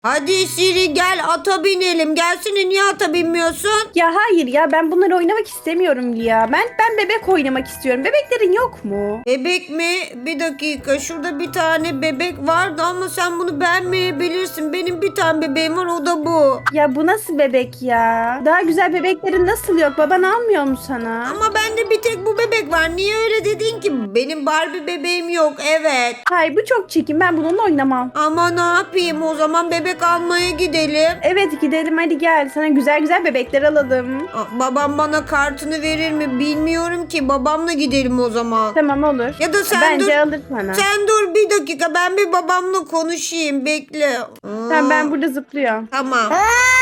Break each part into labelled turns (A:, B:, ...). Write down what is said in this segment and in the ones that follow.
A: Hadi Siri gel ata binelim. Gelsene, niye ata binmiyorsun?
B: Ya hayır ya, ben bunları oynamak istemiyorum Lia. Ben bebek oynamak istiyorum. Bebeklerin yok mu?
A: Bebek mi? Bir dakika, şurada bir tane bebek vardı ama sen bunu beğenmeyebilirsin. Benim bir tane bebeğim var, o da bu.
B: Ya bu nasıl bebek ya? Daha güzel bebeklerin nasıl yok? Baban almıyor mu sana?
A: Ama bende bir tek bu bebek var. Niye öyle dedin ki? Benim Barbie bebeğim yok, evet.
B: Hayır, bu çok çirkin. Ben bununla oynamam.
A: Ama ne yapayım, o zaman bebek almaya gidelim.
B: Evet, gidelim hadi gel. Sana güzel güzel bebekler alalım.
A: Babam bana kartını verir mi bilmiyorum ki. Babamla gidelim o zaman.
B: Tamam, olur.
A: Ya da sen
B: Bence
A: dur.
B: alır sana.
A: Sen dur bir dakika, ben bir babamla konuşayım, bekle.
B: Tamam, ben burada zıplıyorum.
A: Tamam.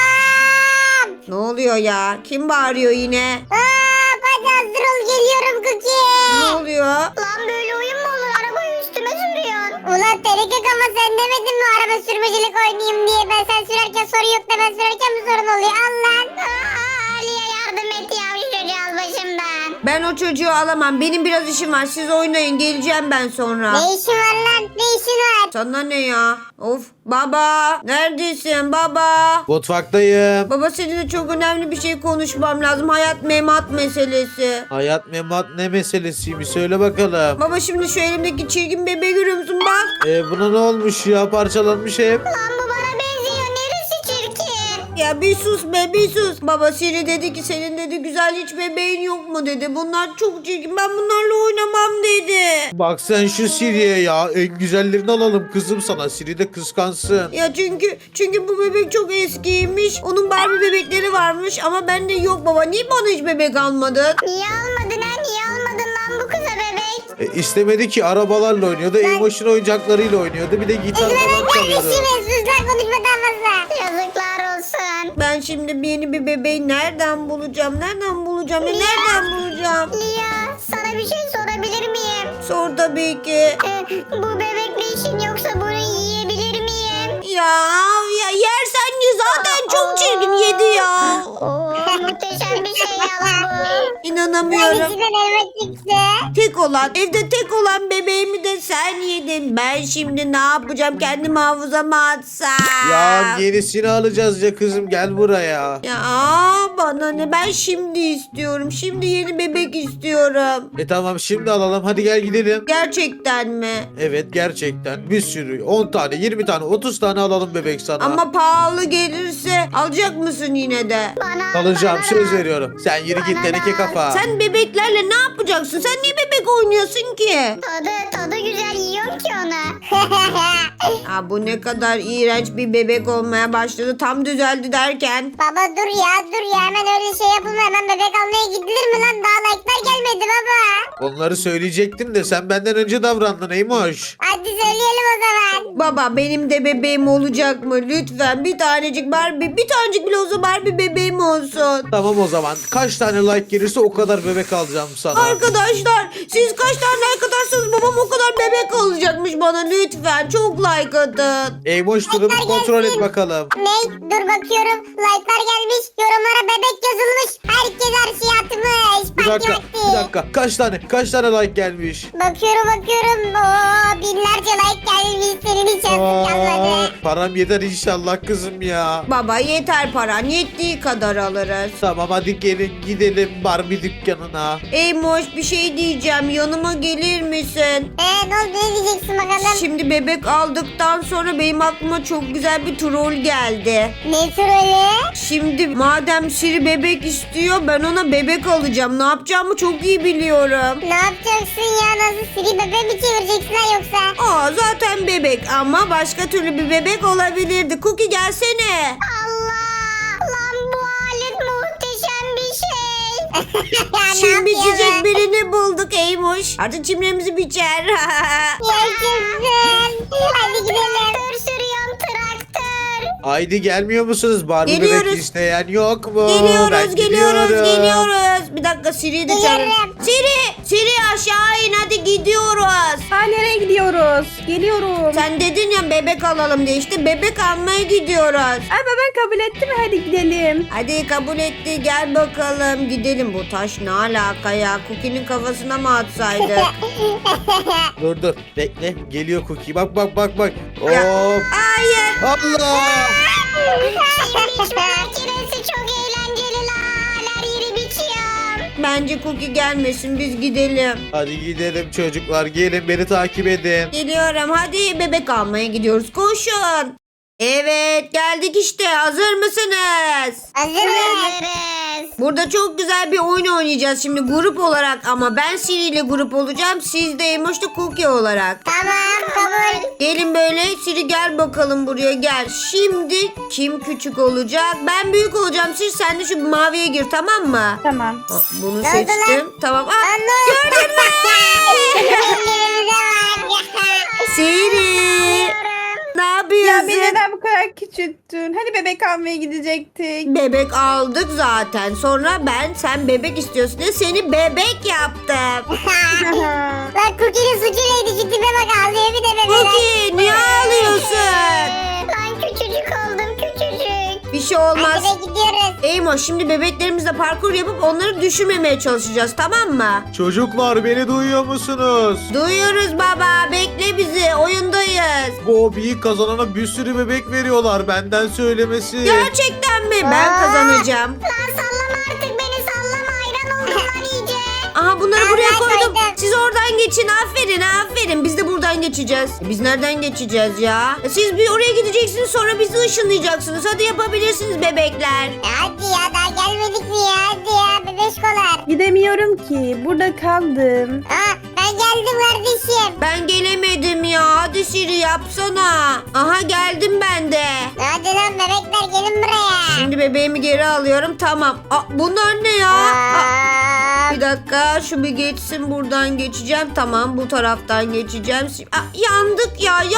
A: Ne oluyor ya? Kim bağırıyor yine?
C: Hadi hazır ol, geliyorum Cookie.
A: Ne oluyor?
C: Lan böyle oyun mu olur? Arabayı üstüme sürüyorsun. Ulan Terikik, ama sen demedin mi araba sürmecilik oynayayım diye? Ben sen sürerken sorun yok da ben sürerken mi sorun oluyor? Al lan. Ali'ye yardım et ya, şu çocuğu al başımdan.
A: Ben o çocuğu alamam. Benim biraz işim var. Siz oynayın. Geleceğim ben sonra.
C: Ne işin var lan? Ne işin var?
A: Sana ne ya? Of. Baba. Neredesin baba?
D: Mutfaktayım.
A: Baba, seninle çok önemli bir şey konuşmam lazım. Hayat memat meselesi.
D: Hayat memat ne meselesiymiş söyle bakalım.
A: Baba, şimdi şu elimdeki çirkin bebeği görüyor musun? Bak.
D: Buna ne olmuş ya, parçalanmış hep.
C: Lan bu bana benziyor. Neresi çirkin?
A: Ya bir sus be, bir sus. Baba, Siri dedi ki senin dedi güzel hiç bebeğin yok mu dedi. Bunlar çok çirkin. Ben bunlarla oynamam dedi.
D: Bak sen şu Siri'ye ya, en güzellerini alalım kızım sana, Siri de kıskansın.
A: Ya çünkü bu bebek çok eskiymiş. Onun Barbie bebekleri varmış ama bende yok baba. Niye bana hiç bebek almadın?
C: Niye almadın ha? Niye almadın lan bu kıza bebek?
D: İstemedi ki, arabalarla oynuyordu, Emotion oyuncaklarıyla oynuyordu, bir de gitar falan çalıyordu.
C: Sus lan, konuşmadan fazla. Yazıklar olsun.
A: Ben şimdi yeni bir bebeği nereden bulacağım? Nereden bulacağım? Ya nereden bulacağım?
C: Lia, sana bir şey sorabilir miyim?
A: Sor tabii ki.
C: Bu bebekle işin yoksa bunu yiyebilir miyim?
A: Ya yersen ye, zaten çok çirkin, yedi ya.
C: Oo, muhteşem bir şey ya bu.
A: İnanamıyorum.
C: İçinden elma çıktı.
A: Evde tek olan bebeğimi de sen yedin. Ben şimdi ne yapacağım? Kendimi hafızama atsam.
D: Ya yenisini alacağız ya kızım, gel buraya.
A: Ya bana ne? Ben şimdi istiyorum. Şimdi yeni bebek istiyorum.
D: Tamam, şimdi alalım, hadi gel gidelim.
A: Gerçekten mi?
D: Evet, gerçekten bir sürü, 10 tane 20 tane 30 tane alalım bebek sana.
A: Ama pahalı gelirse alacak mısın yine de?
D: Alacağım, söz veriyorum. Sen yürü git teneke kafa.
A: Sen bebeklerle ne yapacaksın? Sen niye bebek oynuyorsun ki?
C: Tadı güzel, yiyorum ki onu.
A: Bu ne kadar iğrenç bir bebek olmaya başladı. Tam düzeldi derken.
C: Baba dur ya, hemen öyle şey yapılma, hemen bebek almaya gidilir mi lan? Daha like'lar gelmedi baba.
D: Onları söyleyecektim de sen benden önce davrandın Eymoş.
C: Hadi söyleyelim o zaman.
A: Baba, benim de bebeğim olacak mı? Lütfen bir tanecik Barbie, bir tanecik bile olsa Barbie bebeğim olsun.
D: Tamam, o zaman kaç tane like gelirse o kadar bebek alacağım sana.
A: Arkadaşlar, siz kaç tane like atarsanız babam o kadar bebek alacakmış bana. Lütfen çok like atın.
D: Eymoş, durumu kontrol et bakalım.
C: Ne? Dur bakıyorum. Like'lar gelmiş. Yorumlara bebek yazılmış. Herkes her şeyi atmış.
D: Bir
C: Parti
D: dakika,
C: vakti.
D: bir dakika. Kaç tane like gelmiş?
C: Bakıyorum. Oo, binlerce like gelmiş. Senin hiç yazık kalmadı.
D: Param yeter inşallah kızım ya.
A: Baba, yeter paran. Yettiği kadar alırız.
D: Tamam, hadi gelin gidelim Barbie dükkanına.
A: Moş, bir şey diyeceğim. Yanıma gelir misin?
C: Ne oldu, ne diyeceksin bakalım?
A: Şimdi bebek aldıktan sonra benim aklıma çok güzel bir troll geldi.
C: Ne trolü?
A: Şimdi madem Siri bebek istiyor, ben ona bebek alacağım. Ne yapacağımı çok iyi biliyorum.
C: Ne yapacaksın ya? Nasıl Siri bebe mi çevireceksin ha yoksa?
A: Zaten bebek ama başka türlü bir bebek olabilirdi. Cookie, gelsene.
C: Allah! Lan bu alet muhteşem bir şey. Ya, ne
A: Şimdi
C: yapıyorsun?
A: biçecek birini bulduk Eymoş. Artık çimlerimizi biçer.
C: Yaşasın. Hadi gidelim. Traktör sürüyorum, traktör.
D: Haydi gelmiyor musunuz? Barbie
A: Geliyoruz.
D: bebek isteyen yok mu? Ben
A: Geliyoruz.
D: gidiyorum.
A: Bir dakika, Siri'yi de çağırın.
C: Geliyorum.
A: Siri aşağı in hadi gidiyoruz.
B: Ha nereye gidiyoruz? Geliyorum.
A: Sen dedin ya bebek alalım diye, işte bebek almaya gidiyoruz.
B: Ay baban kabul etti mi? Hadi gidelim.
A: Hadi kabul etti, gel bakalım gidelim. Bu taş ne alaka ya? Cookie'nin kafasına mı atsaydı?
D: Dur bekle geliyor Cookie bak. Hop.
A: Hayır.
D: Allah.
C: Biçme makinesi çok eğlenceli la. Her yeri biçiyorum.
A: Bence Cookie gelmesin, biz gidelim.
D: Hadi gidelim çocuklar gelin beni takip edin.
A: Geliyorum, hadi bebek almaya gidiyoruz, koşun. Evet geldik işte, hazır mısınız?
C: Hazırız.
A: Burada çok güzel bir oyun oynayacağız şimdi grup olarak, ama ben Siri ile grup olacağım, siz de Emoş da Cookie olarak.
C: Tamam kabul.
A: Gelin böyle, Siri gel bakalım buraya, gel. Şimdi kim küçük olacak? Ben büyük olacağım, Siri sen de şu maviye gir, tamam mı?
B: Tamam.
A: Bunu
C: Ne oldu
A: seçtim. Tamam. Gördün mü? Siri. Ne
B: Ya beni
A: yapıyorsun?
B: neden bu kadar küçülttün? Hani bebek almaya gidecektik.
A: Bebek aldık zaten. Sonra sen bebek istiyorsun diye seni bebek yaptım.
C: Lan Cookie'nin suçu neydi? Şu tipe bak ağlıyor bir de bebeler.
A: Cookie niye ağlıyorsun?
C: Ben küçücük oldum küçücük.
A: Bir şey olmaz.
C: Hadi be gidiyoruz.
A: Eymo şimdi bebeklerimizle parkur yapıp onları düşürmemeye çalışacağız, tamam mı?
D: Çocuklar beni duyuyor musunuz?
A: Duyuyoruz baba, bekle bizi, oyundayız.
D: Bu hobiyi kazanana bir sürü bebek veriyorlar benden söylemesi.
A: Gerçekten mi? Ben
C: Aa.
A: kazanacağım.
C: Lan sallama artık beni sallama. Hayran oldum lan iyice.
A: Aha bunları
C: Ben
A: buraya
C: koydum.
A: koydum. Siz oradan geçin, aferin. Biz de buradan geçeceğiz. Biz nereden geçeceğiz ya? Siz bir oraya gideceksiniz, sonra bizi ışınlayacaksınız. Hadi yapabilirsiniz bebekler.
C: Hadi ya daha gelmedik mi ya? Hadi ya bebeşkolar.
B: Gidemiyorum ki. Burada kaldım.
C: Aa ben geldim kardeşim.
A: Ben gelemedim ya. Hadi Siri yapsana. Aha geldim ben de.
C: Hadi lan bebekler gelin buraya.
A: Şimdi bebeğimi geri alıyorum. Tamam. Bunlar ne ya?
C: Aa,
A: Bir dakika şu bir geçsin, buradan geçeceğim. Tamam bu taraftan geçeceğim. Yandık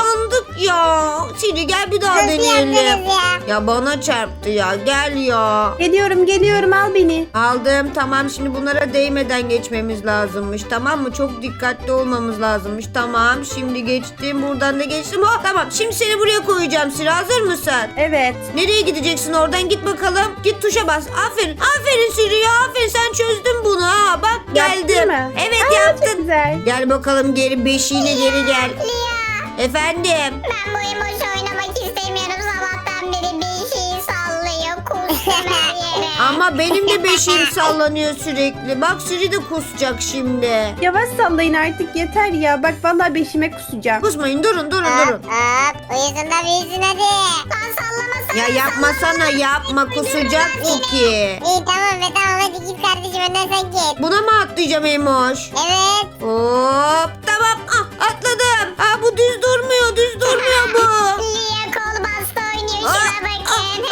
A: ya. Siri gel bir daha
C: nasıl
A: deneyelim.
C: yaptınız ya?
A: Ya bana çarptı ya, gel ya.
B: Geliyorum al beni.
A: Aldım, tamam şimdi bunlara değmeden geçmemiz lazımmış, tamam mı? Çok dikkatli olmamız lazımmış. Tamam şimdi geçtim, buradan da geçtim. Tamam şimdi seni buraya koyacağım Siri, hazır mısın?
B: Evet.
A: Nereye gideceksin, oradan git bakalım. Git tuşa bas. Aferin Siri ya, aferin, sen çözdün bunu ha. Bak
B: Yaptın
A: geldim.
B: mı?
A: Evet
B: Aa,
A: yaptın.
B: Çok güzel.
A: Gel bakalım geri, beşiğine geri gel.
C: Lia
A: Efendim.
C: ben bu emoji oynamak istemiyorum. Sabahtan beri bir şey sallıyor. Kustum her yere.
A: Ama benim de beşiğim sallanıyor sürekli. Bak Siri de kusacak şimdi.
B: Yavaş sallayın artık yeter ya. Bak vallahi beşime kusacağım.
A: Kusmayın, durun.
C: Hop uyusun da büyüsün hadi. Lan sallamasana.
A: Ya yapmasana, yapma, kusacak Cookie.
C: İyi tamam be tamam hadi git kardeşim önden sen git.
A: Buna mı atlayacağım Emoş?
C: Evet.
A: Hop tamam, atladım. Bu düz durmuyor bu.
C: Lia kol bastı oynuyor
A: Aa,
C: şuna bakın.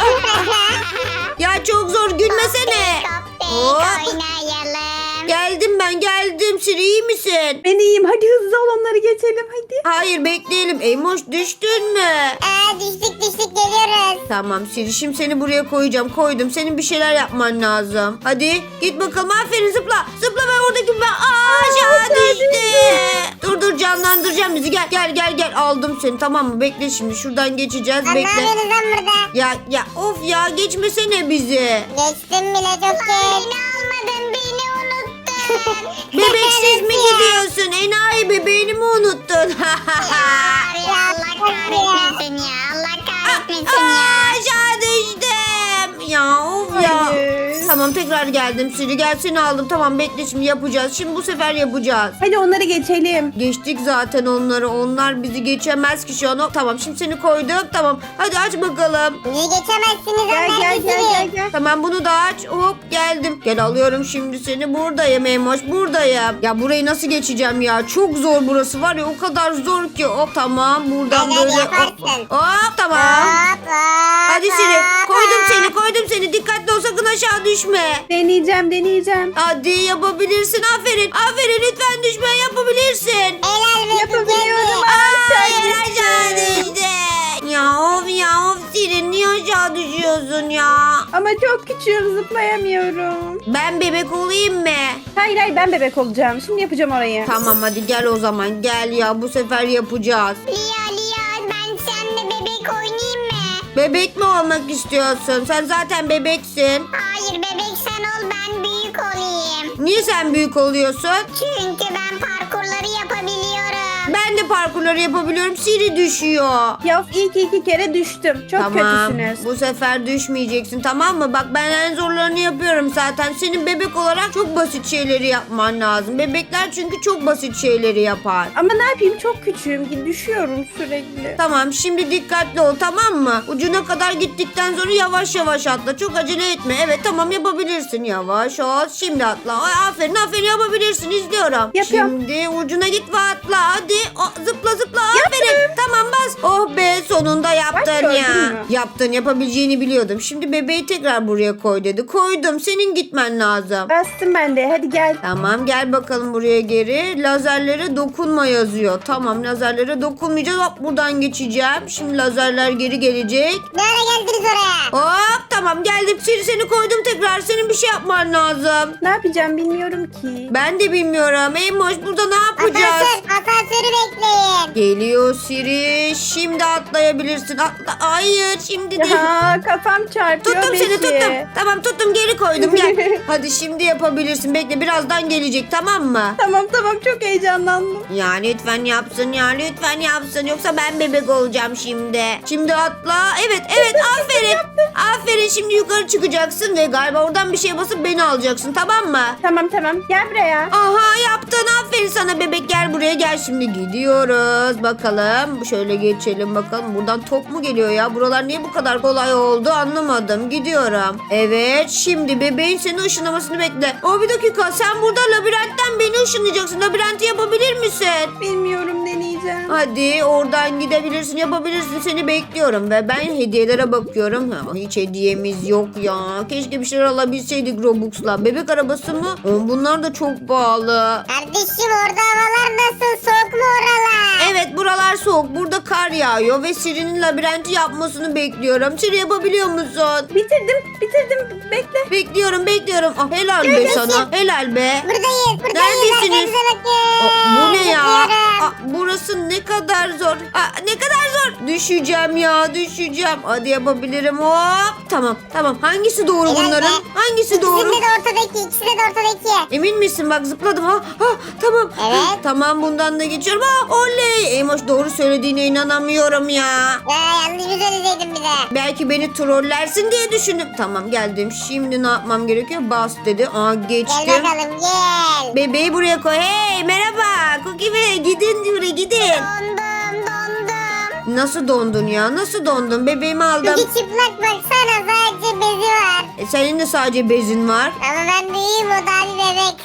A: Ya çok zor, gülmesene. Hop.
C: Oynayalım.
A: Geldim Siri, iyi misin?
B: Ben iyiyim. Hadi hızlı ol onları geçelim hadi.
A: Hayır bekleyelim. Emoş düştün mü?
C: Düştük geliyoruz.
A: Tamam Siri, şimdi seni buraya koydum. Senin bir şeyler yapman lazım. Hadi git bakalım, aferin, zıpla ben oradaki aşağı düştü. Dur canlandıracağım bizi, gel aldım seni, tamam mı? Bekle şimdi, şuradan geçeceğiz,
C: Lan ne
A: bekle.
C: yapıyorsunuz lan burada?
A: Ya of ya, geçmesene bizi.
C: Geçtim bile çok geç. Beni almadın beni unuttun.
A: Bebeksiz mi gidiyorsun? Enayi, bebeğini mi unuttun?
C: Allah kahretmesin ya. Allah kahretmesin ya.
A: Aşağı düştüm. Ya of ya.
B: Hayır.
A: Tamam tekrar geldim Siri, gel seni aldım. Tamam bekle, şimdi yapacağız. Şimdi bu sefer yapacağız.
B: Hadi onları geçelim.
A: Geçtik zaten onları. Onlar bizi geçemez ki şu an. Tamam şimdi seni koydum. Tamam hadi aç bakalım.
C: Niye geçemezsiniz
B: Gel.
A: Tamam bunu da aç. Hop geldim. Gel alıyorum şimdi seni. Buradayım Emoş, buradayım. Ya burayı nasıl geçeceğim ya? Çok zor burası var ya, o kadar zor ki. Hop tamam buradan
C: Hadi,
A: böyle.
C: yaparsın.
A: Hop tamam. Hadi Siri, koydum seni. Dikkatli ol, sakın aşağı düşme.
B: Deneyeceğim.
A: Hadi yapabilirsin. Aferin lütfen düşme, yapabilirsin.
C: Helal be
B: Yapabiliyorum.
A: Hayır aşağı düştü. Ya of Siri, niye aşağı düşüyorsun ya?
B: Ama çok küçüğüm zıplayamıyorum.
A: Ben bebek olayım mı?
B: Hayır ben bebek olacağım. Şimdi yapacağım orayı.
A: Tamam hadi gel o zaman. Gel ya bu sefer yapacağız.
C: Lia ben seninle bebek oynayayım mı?
A: Bebek mi olmak istiyorsun? Sen zaten bebeksin.
C: Hayır bebek sen ol ben büyük olayım.
A: Niye sen büyük oluyorsun?
C: Çünkü ben parkurları yapabiliyorum.
A: Ben de parkurları yapabiliyorum. Siri düşüyor.
B: Ya ilk 2 kere düştüm. Çok
A: Tamam.
B: kötüsünüz.
A: Bu sefer düşmeyeceksin tamam mı? Bak ben en zorlarını yapıyorum zaten. Senin bebek olarak çok basit şeyleri yapman lazım. Bebekler çünkü çok basit şeyleri yapar.
B: Ama ne yapayım çok küçüğüm ki düşüyorum sürekli.
A: Tamam şimdi dikkatli ol tamam mı? Ucuna kadar gittikten sonra yavaş yavaş atla. Çok acele etme. Evet tamam yapabilirsin. Yavaş ol. Şimdi atla. Ay, aferin yapabilirsin. İzliyorum.
B: Yapıyorum.
A: Şimdi ucuna git ve atla. Hadi. Zıpla aferin. Tamam bas. Oh be sonunda yaptın
B: gördün
A: ya.
B: mü?
A: Yaptın yapabileceğini biliyordum. Şimdi bebeği tekrar buraya koy dedi. Koydum. Senin gitmen lazım.
B: Bastım ben de hadi gel.
A: Tamam gel bakalım buraya geri. Lazerlere dokunma yazıyor. Tamam lazerlere dokunmayacağız. Hop buradan geçeceğim. Şimdi lazerler geri gelecek.
C: Ne ara geldiniz oraya?
A: Hop tamam geldim. Seni koydum tekrar. Senin bir şey yapman lazım.
B: Ne yapacağım bilmiyorum ki.
A: Ben de bilmiyorum. Eymoş burada ne yapacağız?
C: Asansörü bekleyin.
A: Geliyor Siri. Şimdi atlayabilirsin. Atla. Hayır şimdi değil.
B: Ya kafam çarpıyor
A: Tuttum seni
B: Beşi.
A: tuttum. Tamam tuttum geri koydum gel. Hadi şimdi yapabilirsin. Bekle birazdan gelecek tamam mı?
B: Tamam çok heyecanlandım.
A: Ya lütfen yapsın ya lütfen yapsın yoksa ben bebek olacağım şimdi. Şimdi atla. Evet aferin. Aferin şimdi yukarı çıkacaksın ve galiba oradan bir şey basıp beni alacaksın tamam mı?
B: Tamam gel buraya.
A: Aha yaptın aferin sana bebek gel buraya gel şimdi gidiyoruz bakalım şöyle geçelim bakalım buradan top mu geliyor ya buralar niye bu kadar kolay oldu anlamadım gidiyorum. Evet şimdi bebeğin seni ışınlamasını bekle. Bir dakika sen burada labirentten beni ışınlayacaksın labirenti yapabilir misin?
B: Bilmiyorum deneyeceğim.
A: Hadi oradan gidebilirsin yapabilirsin seni bekliyorum ve ben hediyelere bakıyorum. Hiç hediyemiz yok ya keşke bir şeyler alabilseydik Robux'la bebek arabası mı? Bunlar da çok pahalı.
C: Kardeşim orada havalar nasıl? Soğuk mu oralar?
A: Evet buralar soğuk burada kar yağıyor ve Siri'nin labirenti yapmasını bekliyorum. Siri yapabiliyor musun?
B: Bitirdim bekle.
A: Bekliyorum. Helal be sana helal be.
C: Buradayız.
A: Neredesiniz? Bu ne ya?
C: Zıplıyorum.
A: Burası ne kadar zor. Ne kadar zor. Düşeceğim. Hadi yapabilirim. Hop. Tamam. Hangisi doğru
C: Helal
A: bunların?
C: be.
A: Hangisi doğru?
C: İkisinde de ortadaki.
A: Emin misin? Bak zıpladım. Tamam.
C: Evet.
A: Tamam bundan da geçiyorum. Oley. Eymoş doğru söylediğine inanamıyorum ya.
C: Yanlış mı söyleseydin bir de?
A: Belki beni trollersin diye düşündüm. Tamam geldim. Şimdi ne yapmam gerekiyor? Bas dedi. Geçtim.
C: Gel bakalım gel.
A: Bebeği buraya koy. Hey merhaba. Cookie Bey gidin buraya gidin.
C: Dondum.
A: Nasıl dondun ya? Nasıl dondun? Bebeğimi aldım.
C: Çünkü çıplak baksana sadece bezi var.
A: Senin de sadece bezin var.
C: Ama ben büyüğüm o da bir bebek.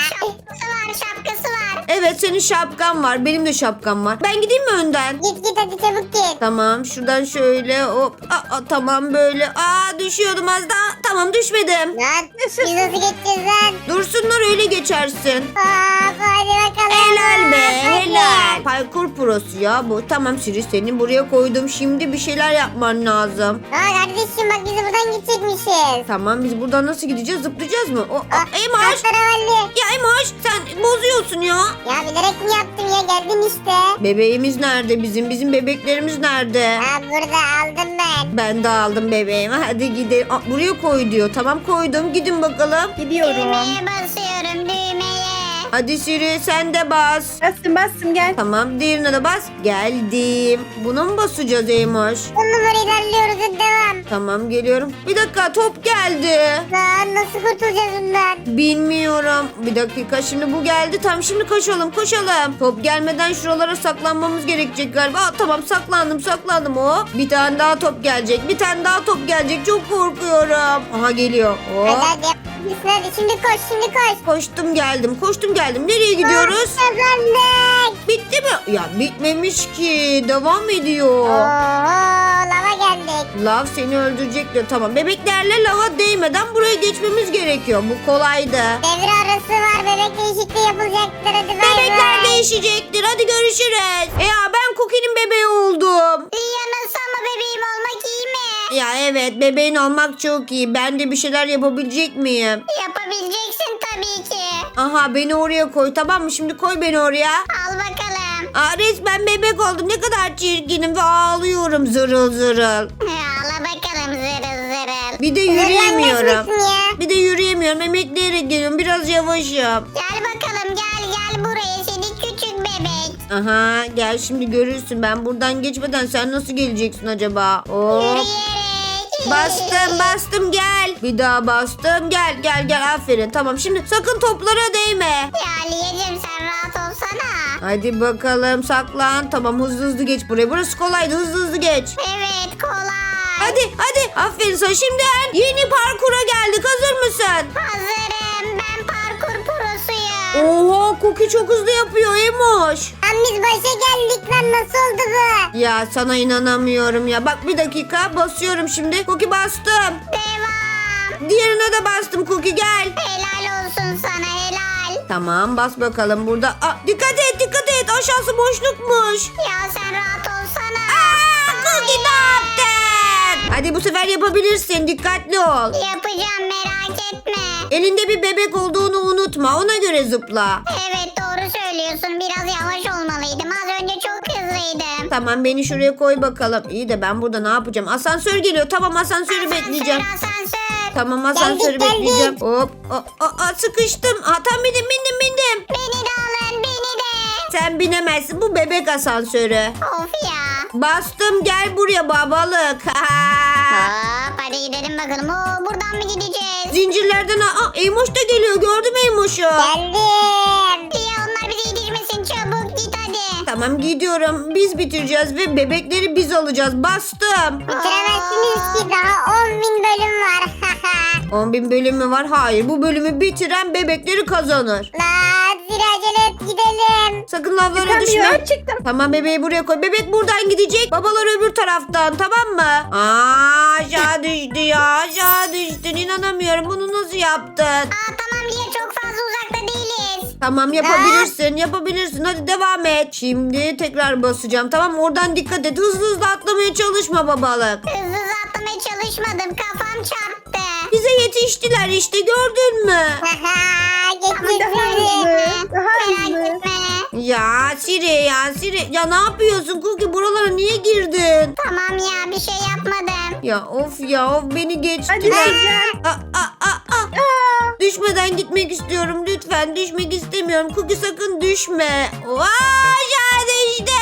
C: Şapkası var.
A: Evet senin şapkan var. Benim de şapkam var. Ben gideyim mi önden?
C: Git hadi çabuk git.
A: Tamam şuradan şöyle hop. Tamam böyle. Düşüyordum az daha. Tamam düşmedim.
C: Lan biz nasıl geçeceğiz lan?
A: Dursunlar öyle geçersin.
C: Hadi bakalım.
A: Helal be
C: Hadi.
A: helal. Parkur prosu ya bu. Tamam Siri seni buraya koydum. Şimdi bir şeyler yapman lazım.
C: Kardeşim bak biz buradan gidecekmişiz.
A: Tamam biz buradan nasıl gideceğiz? Zıplayacağız mı? Eymoş.
C: Tahtarevalli.
A: Ya Eymoş sen bozuyorsun ya.
C: Ya bilerek mi yaptım ya geldin işte.
A: Bebeğimiz nerede bizim? Bizim bebeklerimiz nerede?
C: Burada aldım ben.
A: Ben de aldım bebeğimi. Hadi gidelim. Buraya koy diyor. Tamam koydum. Gidin bakalım.
B: Gidiyorum.
C: Basıyorum düğmeye.
A: Hadi Siri sen de bas.
B: Bastım gel.
A: Tamam diğerine de bas. Geldim. Buna mı basacağız Eymoş?
C: 10 numara ilerliyoruz hadi devam.
A: Tamam geliyorum. Bir dakika top geldi.
C: Lan nasıl kurtulacağız bundan?
A: Bilmiyorum. Bir dakika şimdi bu geldi. Tamam şimdi koşalım. Top gelmeden şuralara saklanmamız gerekecek galiba. Tamam saklandım. Bir tane daha top gelecek. Çok korkuyorum. Aha geliyor.
C: Hadi hadi şimdi koş.
A: Koştum geldim. Nereye gidiyoruz?
C: Kazandık.
A: Bitti mi? Ya bitmemiş ki. Devam ediyor.
C: Lava geldik.
A: Lav seni öldürecek diyor. Tamam bebeklerle lava değmeden buraya geçmemiz gerekiyor. Bu kolaydı.
C: Devre arası var. Bebek değişikliği yapılacaktır. Hadi bay
A: Bebekler
C: bay.
A: değişecektir. Hadi görüşürüz. Ya ben Cookie'nin bebeği oldum.
C: Ya nasıl ama bebeğim olmak iyi mi?
A: Ya evet, bebeğin olmak çok iyi. Ben de bir şeyler yapabilecek miyim?
C: Yapabileceksin tabii ki.
A: Aha, beni oraya koy, tamam mı? Şimdi koy beni oraya.
C: Al bakalım.
A: Aa, resmen bebek oldum. Ne kadar çirkinim ve ağlıyorum zırıl zırıl.
C: Al bakalım zırıl zırıl.
A: Bir de yürüyemiyorum.
C: Zırlanmışsın ya.
A: Bir de yürüyemiyorum. Emekleyerek geliyorum. Biraz yavaşım.
C: Gel bakalım gel buraya seni küçük bebek.
A: Aha, gel şimdi görürsün. Ben buradan geçmeden sen nasıl geleceksin acaba? Hop.
C: Yürüyerek.
A: Bastım gel. Bir daha bastım gel aferin. Tamam, şimdi sakın toplara değme.
C: Ya Liyeciğim sen rahat olsana.
A: Hadi bakalım, saklan. Tamam, hızlı geç buraya. Burası kolaydı, hızlı geç.
C: Evet kolay.
A: Hadi aferin sana. Şimdi yeni parkura geldik. Hazır mısın?
C: Hazırım ben parkur prosuyum.
A: Oha, Cookie çok hızlı yapıyor Emoş.
C: Lan biz başa geldik lan nasıl oldu bu?
A: Ya sana inanamıyorum ya. Bak, bir dakika basıyorum şimdi. Cookie bastım.
C: Devam.
A: Diğerine de bastım Cookie, gel.
C: Helal olsun sana helal.
A: Tamam, bas bakalım burada. Aa, dikkat et aşağısı boşlukmuş.
C: Ya sen rahat olsana.
A: Cookie ne yaptın? Hadi bu sefer yapabilirsin, dikkatli ol.
C: Yapacağım merak etme.
A: Elinde bir bebek olduğunu unutma, ona göre zıpla.
C: Evet doğru söylüyorsun biraz yavaş olmalıydım. Az önce çok hızlıydım.
A: Tamam, beni şuraya koy bakalım. İyi de ben burada ne yapacağım? Asansör geliyor, tamam asansörü bekleyeceğim.
C: Asansör.
A: Tamam, asansörü
C: Geldik.
A: bekleyeceğim. Hop, sıkıştım. Tam bindim.
C: Beni de alın beni de.
A: Sen binemezsin, bu bebek asansörü.
C: Of ya.
A: Bastım, gel buraya babalık.
C: Hop hadi gidelim bakalım. Oo, buradan mı gideceğiz?
A: Zincirlerden Eymoş da geliyor, gördüm Eymoş'u.
C: Geldim. Ya onlar bizi yetişmesin çabuk git hadi.
A: Tamam, gidiyorum. Biz bitireceğiz ve bebekleri biz alacağız. Bastım.
C: Bitiremezsiniz ki daha 10.000 bölüm var.
A: 10.000 bölüm mü var? Hayır, bu bölümü bitiren bebekleri kazanır.
C: Hadi acele et gidelim.
A: Sakın lavlara
B: Çıkamıyor,
A: düşme.
B: çıktım.
A: Tamam, bebeği buraya koy. Bebek buradan gidecek. Babalar öbür taraftan, tamam mı? Aşağı düştü ya. Aşağı düştün. İnanamıyorum. Bunu nasıl yaptın?
C: Tamam Liye çok fazla uzakta değiliz.
A: Tamam, yapabilirsin. Hadi devam et. Şimdi tekrar basacağım. Tamam, oradan dikkat et. Hızlı atlamaya çalışma babalık.
C: Hızlı atlamaya çalışmadım kafam çarptı.
A: Bize yetiştiler işte, gördün mü?
C: Geçtik
B: Daha hızlı, daha hızlı.
C: Merak etme.
A: Ya Siri. Ya ne yapıyorsun Cookie? Buralara niye girdin?
C: Tamam ya bir şey yapmadım.
A: Ya of beni
B: Hadi
A: geçtiler.
B: Sürcan.
A: Düşmeden gitmek istiyorum. Lütfen, düşmek istemiyorum. Cookie sakın düşme. Aşağı düştüm.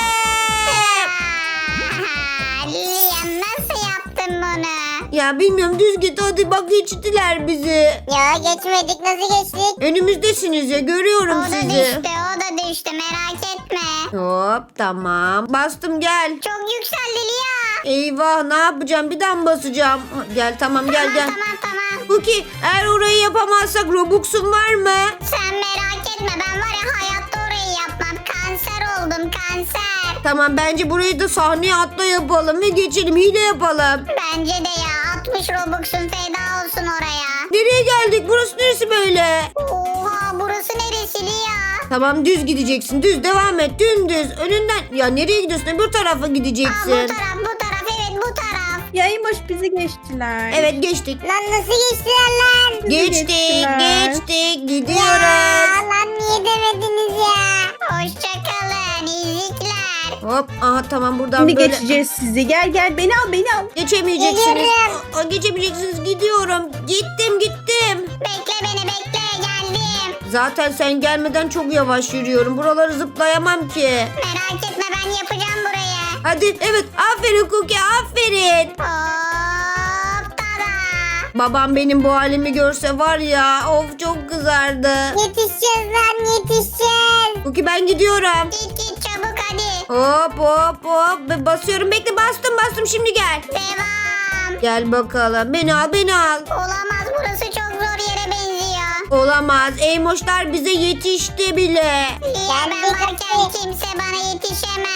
C: Liye nasıl yaptın bunu?
A: Ya bilmiyorum, düz git hadi, bak geçtiler bizi.
C: Ya geçmedik nasıl geçtik?
A: Önümüzdesiniz ya, görüyorum
C: O da
A: sizi.
C: düştü o da düştü merak etme.
A: Hop, tamam. Bastım, gel.
C: Çok yükseldi Lia.
A: Eyvah, ne yapacağım? Bir daha mı basacağım? Gel, tamam gel.
C: Tamam.
A: Cookie, eğer orayı yapamazsak Robux'un var mı?
C: Sen merak etme ben var ya hayatta orayı yapmam. Kanser oldum kanser.
A: Tamam, bence burayı da sahneye atla yapalım ve geçelim. Hile yapalım.
C: Bence de ya 60 Robux'un feda olsun oraya.
A: Nereye geldik? Burası neresi böyle?
C: Oha burası neresi Lia?
A: Tamam, düz gideceksin. Düz devam et. Dümdüz. Önünden. Ya nereye gidiyorsun? Öbür tarafa
C: Bu
A: gideceksin.
C: taraf evet bu taraf.
B: Ya Emoş bizi geçtiler.
A: Evet, geçtik.
C: Lan nasıl geçtiler lan?
B: Bizi
A: Geçtik.
B: geçtiler.
A: Gidiyoruz.
C: Lan niye demediniz ya? Hoşçakalın izlikler.
A: Hop. Aha, tamam, buradan
B: Şimdi
A: böyle.
B: geçeceğiz sizi. Gel beni al.
A: Geçemeyeceksiniz.
C: Geliyorum.
A: Geçemeyeceksiniz. Gidiyorum. Gittim.
C: Bekle beni bekle geldim.
A: Zaten sen gelmeden çok yavaş yürüyorum. Buraları zıplayamam ki.
C: Merak etme ben yapacağım burayı.
A: Hadi, evet. Aferin Cookie, aferin.
C: Hop tada.
A: Babam benim bu halimi görse var ya, of çok kızardı.
C: Yetişeceğiz lan yetişeceğiz.
A: Cookie, ben gidiyorum.
C: Git çabuk hadi.
A: Hop. Basıyorum. Bekle, bastım. Şimdi gel.
C: Devam.
A: Gel bakalım. Beni al.
C: Olamaz burası çok zor yere benziyor.
A: Olamaz. Eymoşlar bize yetişti bile.
C: Liye ben varken kimse bana yetişemez.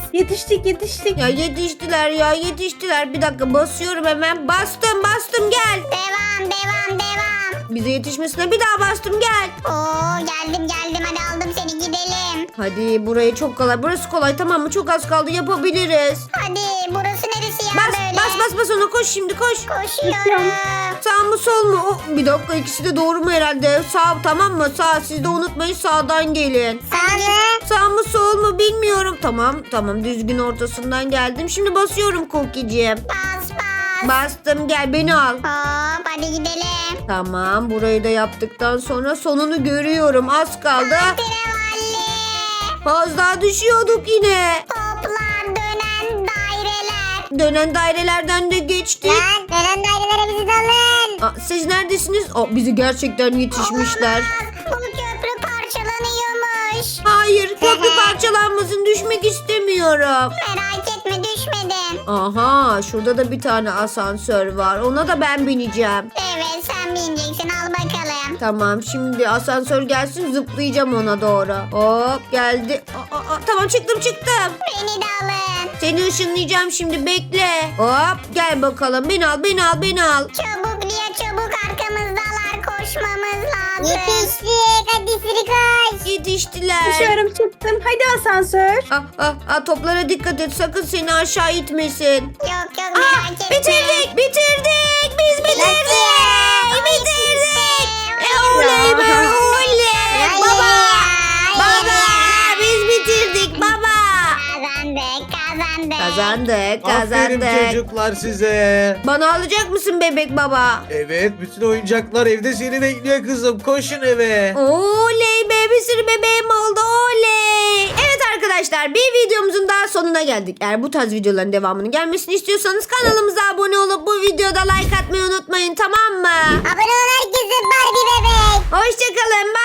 B: Yetiştik.
A: Ya yetiştiler. Bir dakika basıyorum hemen. Bastım gel.
C: Devam.
A: Bize yetişmesine bir daha bastım gel.
C: Oo geldim hadi aldım seni gidelim.
A: Hadi burayı çok kolay. Burası kolay tamam mı? Çok az kaldı yapabiliriz.
C: Hadi burası neresi ya böyle?
A: Bas ona koş şimdi koş.
C: Koşuyorum.
A: Sağ mı sol mu? Oh, bir dakika ikisi de doğru mu herhalde? Sağ tamam mı? Sağ siz de unutmayın sağdan gelin. Sağ mı sol mu bilmiyorum. Tamam düzgün ortasından geldim. Şimdi basıyorum Cookie'ciğim.
C: Bas.
A: Bastım gel beni al.
C: Hop hadi gidelim.
A: Tamam burayı da yaptıktan sonra sonunu görüyorum. Az kaldı.
C: Trevalli.
A: Az daha düşüyorduk yine.
C: Toplar dönen daireler.
A: Dönen dairelerden de geçtik.
C: Lan dönen dairelere bizi de alın.
A: Aa, siz neredesiniz? Aa, bizi gerçekten yetişmişler.
C: Olamaz. Bu köprü parçalanıyormuş.
A: Hayır köprü parçalanmasın düşmek istemiyorum.
C: Merak etme düşmedim.
A: Aha şurada da bir tane asansör var. Ona da ben bineceğim.
C: Evet sen bineceksin al bakalım.
A: Tamam şimdi asansör gelsin zıplayacağım ona doğru. Hop geldi. Tamam çıktım.
C: Beni de alın.
A: Seni ışınlayacağım şimdi bekle. Hop gel bakalım beni al.
C: Çabuk Lia çabuk arkamızdalar koşmamız lazım.
E: Yetiştik. Hadi Siri koş.
A: Yetiştiler.
B: Dışarı çıktım. Hadi asansör.
A: Toplara dikkat et sakın seni aşağı itmesin.
C: Yok merak etme.
A: Bitirdik. Biz bitirdik. Oley be oley. Baba biz bitirdik baba.
C: Kazandık.
D: Aferin çocuklar size.
A: Bana alacak mısın bebek baba?
D: Evet bütün oyuncaklar evde seni bekliyor kızım. Koşun eve.
A: Oley be bir sürü bebeğim oldu oley. Evet arkadaşlar bir videomuzun daha sonuna geldik. Eğer bu tarz videoların devamının gelmesini istiyorsanız kanalımıza abone olup bu videoda like atmayı unutmayın tamam mı?
E: Abone ol herkese Barbie bebek.
A: Hoşçakalın.